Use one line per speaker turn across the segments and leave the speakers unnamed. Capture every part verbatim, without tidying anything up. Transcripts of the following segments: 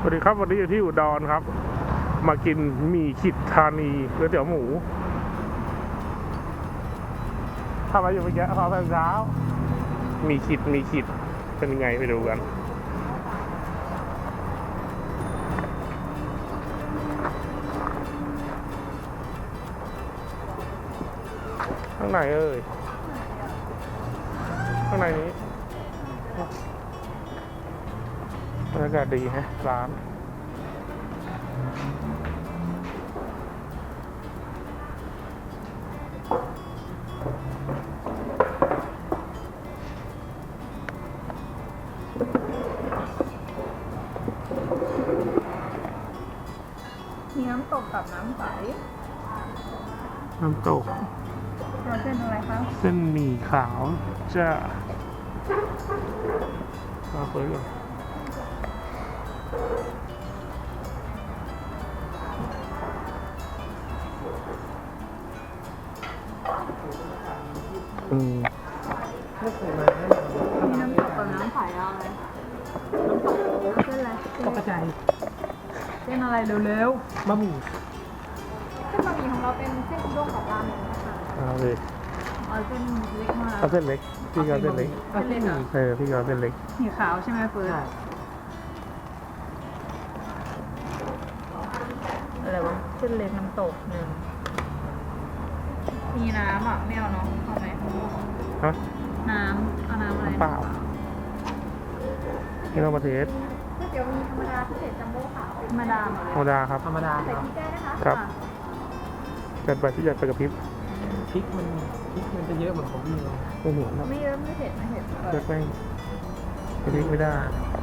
วัสดีครับวันนี้อยู่ที่อุดรครับมากินหมี่ขิดธานีก๋วยเตี๋ยวหมูทำอะไรอยู่เมื่อกี้พอตอนเช้ามีขิดมีขิดเป็นยังไงไปดูกันข้างในเอ้ยข้างในนี้บรรยากาศดีฮะร้าน
มีน้ำตกกับน้ำใส
น้ำตก
เราเส้นอะไรคะ
เส้นหมี่ขาวจะมาเปิดก่อนอืม
มีน้ำตกกับน้ำใสอะไรน้ำตกเส้นอะไรตกกระจายเส้นอะไรเร็วๆบะหมี่เส้นบะหมี่ของเราเป็นเส้นอุด้งกับราเมงนะคะ
เอาเลย
เอาเส้นเล็กมา
เอาเส้นเล็กพี่เอาเส้นเล็ก
เอาเส้นเล็ก
เออพี่เอาเส้นเล็ก
หมี่ขาวใช่ไหมเฟิร์นอะไรวะเส้นเล็กน้ำตกหนึ่งมีน้ำอ่ะไม่เอาเนาะเอาไหม
ฮะ
น้ำเอาน้ำอะไร
เปล่านี่เรามาเทส
ก๋วยเตี๋ยวมีธรรมดาพิเศษจัมโบ้ขาวธรรมดาหมดเลย
ธรรมดาครับ
ธรรมดาใส่พริกได้นะคะ
ครับจัดไปที่จัดไปกับพริก
พริกมันพริกมันจะเยอะเหมือนของพี่เลย
ไม่เหมือนครับ
ไม่เยอะไม่เผ็ดไม่เผ็ด
เลือกไม่พริกไม่ได้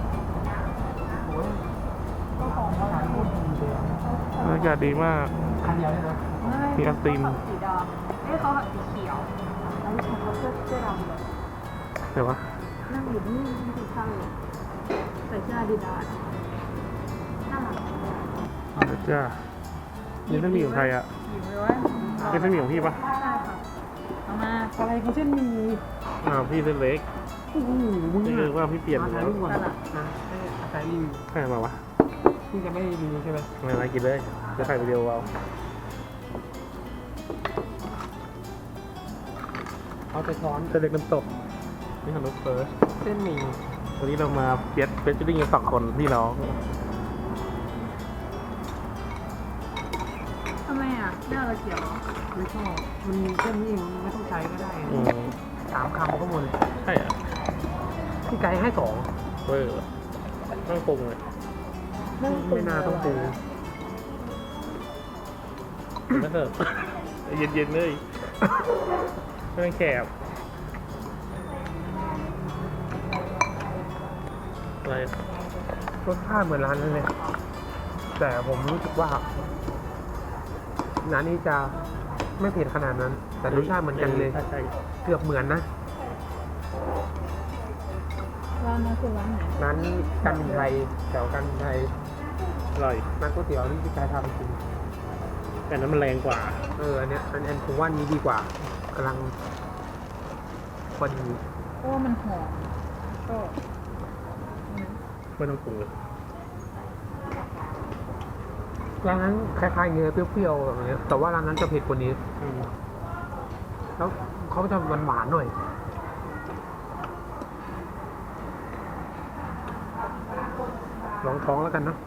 บรรยากาศดีมาก
คันเดียวเลยนะ
มีไอติม
สีดำเอ้ยเขาหักสีเขียวแล้วฉันเขาเสื้อเสื้อดำเลย
เดี๋ยววะ
นั่งอยู่นี่ไม่ถือข้าวเลยใส่เสื้อดีดาน่ารัก
เดี๋ยวจ้านี่เส้นหมี่ของใครอ่ะ
หยิบเลยว่า
เป็นเส้นหมี่ของพี่ปะ
ใช่ค่ะเอามา
อะไรเขาเส้นหมี่
อ่าพี่เส้นเล็ก
โอ้โหมึง
นี่คือว่าพี่เปลี่ยน
มาถ่ายรูปก่อนนะถ่ายรีวิว
ใครมาวะ
พี่จะไม่รีวิวใช่ไหม
ไม่มากินเลยจะถ่ายวิดีโอเอา
เอาแต่ช้อน
เส้นเล็กน้ำตกนี่ของลูกเฟิร์ส
เส้นหมี่
วันนี้เรามาเปียดเปียดจุดดิ้งกันสองคนพี่น้อง
ทำไมอ่ะไม่เอาตะเกียบ
ไม่ชอบมันมีเส้นนี้เองไม่ต้องใช้ก็ได้สามคำก็หมดเลย
ใช่อ่ะ
พี่ไก่ให้สอง
เว้ยต้องปรุงเลย
ไม่น่าต้องปรุง
ไม่เถอะเย็นๆเลยไม่ต้องแคบอะไร
รสชาติเหมือนร้านนั้นเลยแต่ผมรู้สึกว่าร้านนี้จะไม่เผ็ดขนาดนั้นแต่รสชาติเหมือนกันเลยเกือบเหมือนนะ
ร้านนั้นคือร้านไหน
ร้านกันไทยแถวกันไทย
อร่อย
ร้านก๋วยเตี๋ยวที่พี่กายทำกิน
แต่นั้นมันแรงกว่า
เอออันเนี้ยอันอันผมว่านี้ดีกว่ากำลังพอดี
เพราะว่ามันหอมก็
ไม่ต้องปรุงเลย
ร้านนั้นคล้ายๆเนื้อเปรี้ยวๆแบบนี้แต่ว่าร้านนั้นจะเผ็ดกว่านี้แล้วเขาจะหวานๆหน่อยลองท้องแล้วกันเนาะ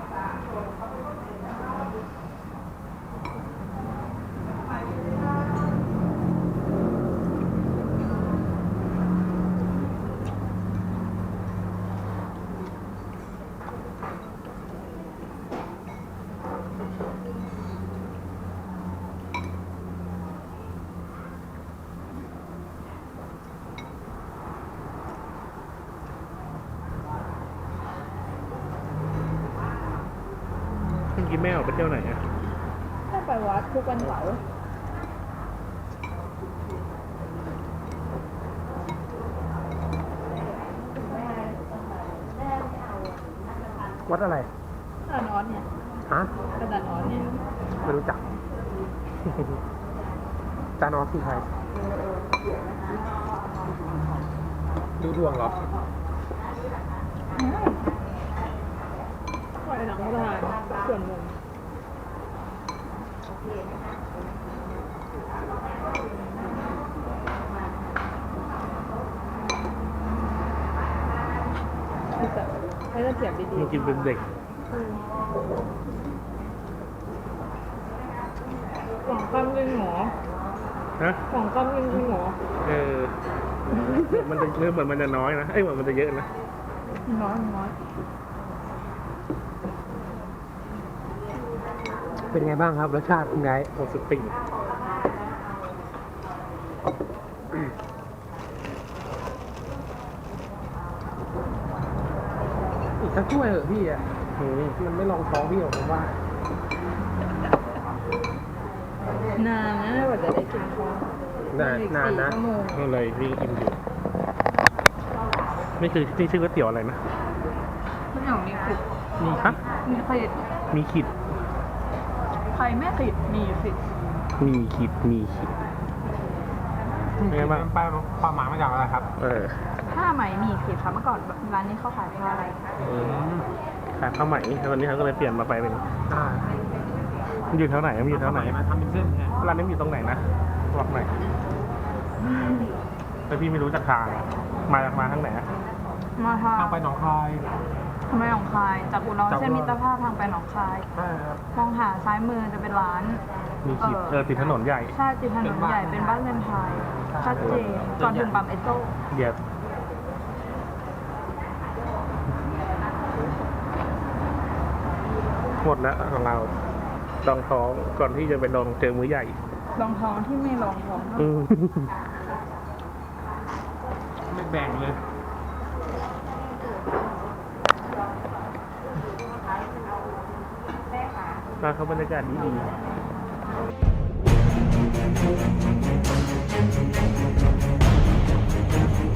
กินแม่ออกไปเที่ยวไหนอ่ะ
ถ้าไปวัดทุกวันเสาร์
วัดอะไร
อาจารย์ออสเนี่ย
ฮะ
อาจารย์ออสเนี่ย
ไม่รู้จักอาจารย์ออสคือใครดูดวงเหรอ
วัหลังทานส่วนมุมให้เราเสียบดี
มันกินเป็นเด็ก
ๆสองคำจริงหรอ
ฮะ
สองคำจริงหรอ
เออ มันจะเริ่มเหมือนมันจะน้อยนะ เอ้ยเหมือนมันจะเยอะนะ
น้อยน้อย
เป็นไงบ้างครับรสชาติคุณไง
โอ้สุดติ่ง
อีกสักถ้วยเหอะพี่อ่ะ
อืม
มันไม่ลองท้องพี่หรอกผมว่า
นานนะกว่าจะได้กินข้าวน
านนานนะ
สี่ชั่วโมง
อะไรพี่กินอยู่นี่คือนี่ชื่อก๋วยเตี๋ยวอะไรนะ
ทุกอย่างมีขิด
มีฮะ
มีขิด
มีขิด
ใครไม่ขิดมีขิด
มีขิด มีขิด เป็นไงบ้าง
แปลความหมายมาจากอะไรครับ
เออ
ผ้าไหมมีขิดค่ะเมื่อก่อนร้านนี้เขาขายผ้าอะไร
อืมขายผ้าไหมแล้ววันนี้เขาก็เลยเปลี่ยนมาไปเป็น
อ่า
มันอยู่แถวไหนมันอยู่แถวไหน
มาทำเป็นเส้นไง
ร้านนี้มันอยู่ตรงไหนนะบอกหน่อยแต่พี่ไม่รู้จักทาง มาจากมาทางไหนอะ
มาทาง
ทางไปหนองคาย
ทำไมหนองคายจากอุดร
จากอุดร
เส้นมิตรภาพทางไปหนองคาย
ใช่ครับ
มองหาซ้ายมือจะเป็นร้าน
มีขิด เออติดถนนใหญ่
ใช่ติดถนนใหญ่เป็นบ้านเรือนไทยชัดเจนก่อนถึงปั๊มเอสโซ
เดี๋ยวหมดแล้วของเราลองท้องก่อนที่จะไปลองเจอมื้อใหญ่
รองท้องที่ไม่รองท้อง
อืม
ไม่แบ่งเลย
ร้านเขาบรรยากาศดีดี